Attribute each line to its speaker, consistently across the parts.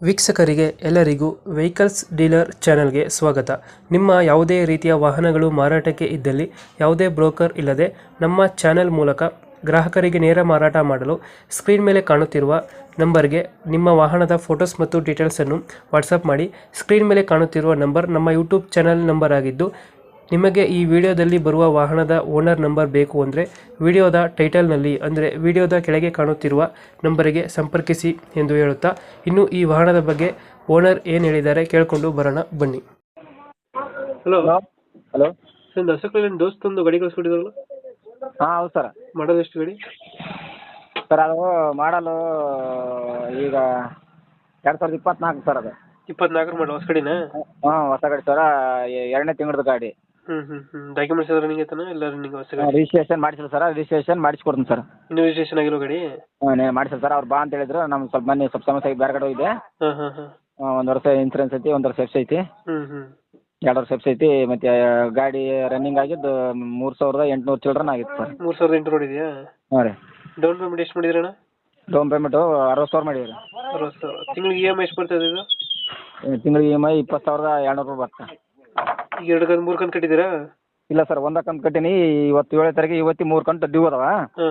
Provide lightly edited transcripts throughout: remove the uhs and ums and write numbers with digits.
Speaker 1: ವೀಕ್ಷಕರಿಗೆ ಎಲ್ಲರಿಗೂ vehicles dealer ಚಾನೆಲ್ಗೆ ಸ್ವಾಗತ. ನಿಮ್ಮ ಯಾವುದೇ ರೀತಿಯ ವಾಹನಗಳು ಮಾರಾಟಕ್ಕೆ ಇದ್ದಲ್ಲಿ ಯಾವುದೇ ಬ್ರೋಕರ್ ಇಲ್ಲದೆ ನಮ್ಮ ಚಾನೆಲ್ ಮೂಲಕ ಗ್ರಾಹಕರಿಗೆ ನೇರ ಮಾರಾಟ ಮಾಡಲು ಸ್ಕ್ರೀನ್ ಮೇಲೆ ಕಾಣುತ್ತಿರುವ ನಂಬರ್ಗೆ ನಿಮ್ಮ ವಾಹನದ ಫೋಟೋಸ್ ಮತ್ತು ಡೀಟೇಲ್ಸನ್ನು ವಾಟ್ಸಪ್ ಮಾಡಿ. ಸ್ಕ್ರೀನ್ ಮೇಲೆ ಕಾಣುತ್ತಿರುವ ನಂಬರ್ ನಮ್ಮ ಯೂಟ್ಯೂಬ್ ಚಾನೆಲ್ ನಂಬರ್ ಆಗಿದ್ದು, ನಿಮಗೆ ಈ ವಿಡಿಯೋದಲ್ಲಿ ಬರುವ ವಾಹನದ ಓನರ್ ನಂಬರ್ ಬೇಕು ಅಂದರೆ ವಿಡಿಯೋದ ಟೈಟಲ್ನಲ್ಲಿ ಅಂದರೆ ವಿಡಿಯೋದ ಕೆಳಗೆ ಕಾಣುತ್ತಿರುವ ನಂಬರಿಗೆ ಸಂಪರ್ಕಿಸಿ ಎಂದು ಹೇಳುತ್ತಾ, ಇನ್ನು ಈ ವಾಹನದ ಬಗ್ಗೆ ಓನರ್ ಏನು ಹೇಳಿದ್ದಾರೆ ಕೇಳಿಕೊಂಡು ಬರೋಣ ಬನ್ನಿ. ಹಲೋ
Speaker 2: ಹಲೋ ಹಲೋ
Speaker 1: ಸರ್, ದಸಕಲ್ಲಿ ದೋಸ್ತೊಂದು ಗಾಡಿ ಕಳಿಸ್ಬಿಟ್ಟಿದ್ರಲ್ಲ,
Speaker 2: ಹಾಂ ಹೌದು ಸರ್.
Speaker 1: ಮಾಡೋದು ಎಷ್ಟು ಗಾಡಿ?
Speaker 2: ಸರ್ ಅದು ಮಾಡಲು ಈಗ 2024 ಸರ್. ಅದು
Speaker 1: 24 ಮಾಡೋ ಹೊಸ ಗಾಡಿನಾ?
Speaker 2: ಹಾಂ ಹೊಸ ಗಾಡಿ ಸರ, ಎರಡನೇ ತಿಂಗಳದ ಗಾಡಿ.
Speaker 1: ಡಾಕ್ಯುಮೆಂಟ್ಸ್ ಎಲ್ಲ ರನ್ನಿಂಗ್ ಐತಾನ? ಎಲ್ಲ ರನ್ನಿಂಗ್ ಹೊಸ ಗಾಡಿ?
Speaker 2: ರಿಜಿಸ್ಟ್ರೇಷನ್ ಮಾಡಿಸಿಲ್ಲ ಸರ್, ರಿಜಿಸ್ಟ್ರೇಷನ್ ಮಾಡಿಸ್ಕೊಡ್ತೀನಿ ಸರ್.
Speaker 1: ಇನ್ನು ರಿಜಿಸ್ಟ್ರೇಷನ್ ಆಗಿರೋ ಗಾಡಿ?
Speaker 2: ಹಾಂ ಮಾಡಿಸಿಲ್ಲ ಸರ್, ಅವ್ರು ಬಾ ಅಂತ ಹೇಳಿದ್ರು. ನಮ್ಗೆ ಸ್ವಲ್ಪ ಮೊನ್ನೆ ಸ್ವಲ್ಪ ಸಮಸ್ಯೆ ಆಗಿ ಬೇರೆ ಕಡೆ ಹೋಗಿದೆ. ಒಂದು ವರ್ಷ ಇನ್ಸೂರೆನ್ಸ್ ಐತಿ, 1 ವರ್ಷ ಎಫ್ಸ್ ಐತಿ, 2 ವರ್ಷ ಎಫ್ಸ್ ಐತಿ. ಮತ್ತು ಗಾಡಿ ರನ್ನಿಂಗ್ ಆಗಿದ್ದು 3800 ಚಿಲ್ಡ್ರನ್ ಆಗಿತ್ತು ಸರ್.
Speaker 1: 3800 ನೋಡಿದ್ಯಾ?
Speaker 2: ಹಾಂ ರೀ.
Speaker 1: ಡೌನ್ ಪೇಮೆಂಟ್ ಎಷ್ಟು ಮಾಡಿದ್ರಣ್ಣ?
Speaker 2: ಡೌನ್ ಪೇಮೆಂಟು 60,000 ಮಾಡಿದ್ರಿ.
Speaker 1: 60,000. ತಿಂಗಳಿಗೆ ಇ ಎಮ್ ಐ ಎಷ್ಟು ಬರ್ತದೆ ಇದು?
Speaker 2: ತಿಂಗಳಿಗೆ ಇ ಎಮ್ ಐ 20,200 ರೂಪಾಯಿ ಬರ್ತದೆ.
Speaker 1: ಈಗ 2 ಕಂತು 3 ಕಂತು ಕಟ್ಟಿದ್ದೀರಾ?
Speaker 2: ಇಲ್ಲ ಸರ್, ಒಂದೇ ಕಂತು ಕಟ್ಟೀನಿ. ಇವತ್ತು 7 ತಾರೀಕು, ಇವತ್ತು 3 ಕಂತು ಡ್ಯೂ ಅದಾವ.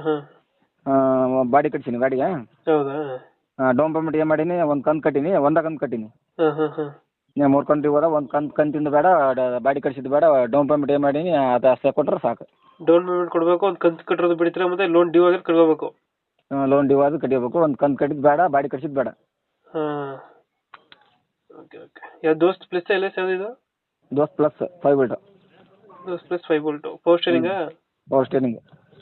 Speaker 2: ಬಾಡಿ ಕಟ್ಸೀನಿ ಗಾಡಿಗೆ.
Speaker 1: ಹೌದಾ?
Speaker 2: ಡೌನ್ ಪೇಮೆಂಟ್ ಏನು ಮಾಡೀನಿ, ಒಂದು ಕಂತು ಕಟ್ಟೀನಿ, ಒಂದೇ ಕಂತು ಕಟ್ಟೀನಿ. 3 ಕಂತು ಡ್ಯೂ ಅದ. ಒಂದು ಕಂತಿಂದು ಬೇಡ, ಬಾಡಿ ಕಟ್ಸಿದ್ದು ಬೇಡ. ಡೌನ್ ಪೇಮೆಂಟ್ ಏನು ಮಾಡೀನಿ ಅದು ಅಷ್ಟೇ ಕೊಟ್ಟರೆ ಸಾಕು.
Speaker 1: ಡೌನ್ ಪೇಮೆಂಟ್ ಕೊಡಬೇಕು, ಒಂದು ಕಂತು ಕಟ್ಟಿರೋದು ಬಿಡ್ತೀರಾ, ಮತ್ತೆ ಲೋನ್ ಡ್ಯೂ ಆಗಿದ್ರೆ ಕಟ್ಕೋಬೇಕು?
Speaker 2: ಲೋನ್ ಡ್ಯೂ ಆದ್ರೆ ಕಟ್ಟಿಬೇಕು. ಒಂದು ಕಂತು ಕಟ್ಟಿದ್ದು ಬೇಡ, ಬಾಡಿ ಕಟ್ಸಿದ್ದು ಬೇಡ.
Speaker 1: ಓಕೆ. ಯಾವ ದೋಸ್ತ್ ಪ್ಲಸ್ ಎಲ್ಲ ಯಾವ್ದು ಇದು?
Speaker 2: Dost plus 5 volt.
Speaker 1: Dost plus 5 volt power ಸ್ಟೇರಿಂಗಾ?
Speaker 2: Power steering.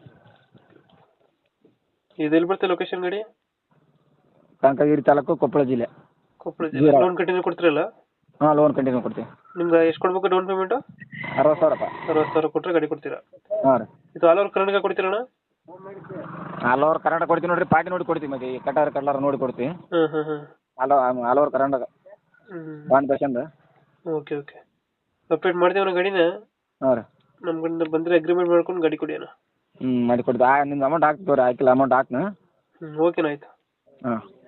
Speaker 1: ಇದು ಎಲ್ಲಿ ಬರುತ್ತೆ ಲೊಕೇಶನ್ ಗಾಡಿ?
Speaker 2: ಕನಕಗಿರಿ ತಾಲೂಕು, ಕೊಪ್ಪಳ ಜಿಲ್ಲೆ.
Speaker 1: ಕೊಪ್ಪಳ ಜಿಲ್ಲೆ. ಲೋನ್ ಕಂಟಿನ್ಯೂ ಕೊಡ್ತೀರಲ್ಲ?
Speaker 2: ಹಾಂ, ಲೋನ್ ಕಂಟಿನ್ಯೂ ಕೊಡ್ತೀವಿ.
Speaker 1: ನಿಮ್ಗೆ ಎಷ್ಟು ಕೊಡ್ಬೇಕು ಡೌನ್ ಪೇಮೆಂಟು?
Speaker 2: 60,000 ರೂಪಾಯಿ.
Speaker 1: 60,000 ಕೊಟ್ಟರೆ ಗಾಡಿ ಕೊಡ್ತೀರಾ?
Speaker 2: ಹಾಂ ರೀ.
Speaker 1: ಇದು ಆಲ್ ಓವರ್ ಕರ್ನಾಟಕ ಕೊಡ್ತೀರಣ್ಣ?
Speaker 2: ಆಲ್ ಓವರ್ ಕರ್ನಾಟಕ ಕೊಡ್ತೀವಿ ನೋಡಿರಿ. ಪಾರ್ಟಿ ನೋಡಿ ಕೊಡ್ತೀವಿ. ಮತ್ತೆ ಈ ಕಟ್ಟಾರ ನೋಡಿ ಕೊಡ್ತೀವಿ. All over Karnataka bond percent.
Speaker 1: Okay. Update ಮಾಡ್ತೀವಿ ಗಾಡಿನ.
Speaker 2: ಹಾಂ ರೀ.
Speaker 1: ನಮ್ಮ ಕಡೆಯಿಂದ ಬಂದರೆ ಅಗ್ರಿಮೆಂಟ್ ಮಾಡ್ಕೊಂಡು ಗಾಡಿ ಕೊಡಿ ಅಣ್ಣ.
Speaker 2: ಮಾಡಿ ಕೊಡ್ತೀವಿ. ನಿಮ್ದು ಅಮೌಂಟ್ ಹಾಕ್ತೀವಿ. ಹಾಕಿಲ್ಲ ಅಮೌಂಟ್ ಹಾಕ್ನ.
Speaker 1: ಓಕೆನಾ, ಆಯ್ತು.
Speaker 2: ಹಾಂ.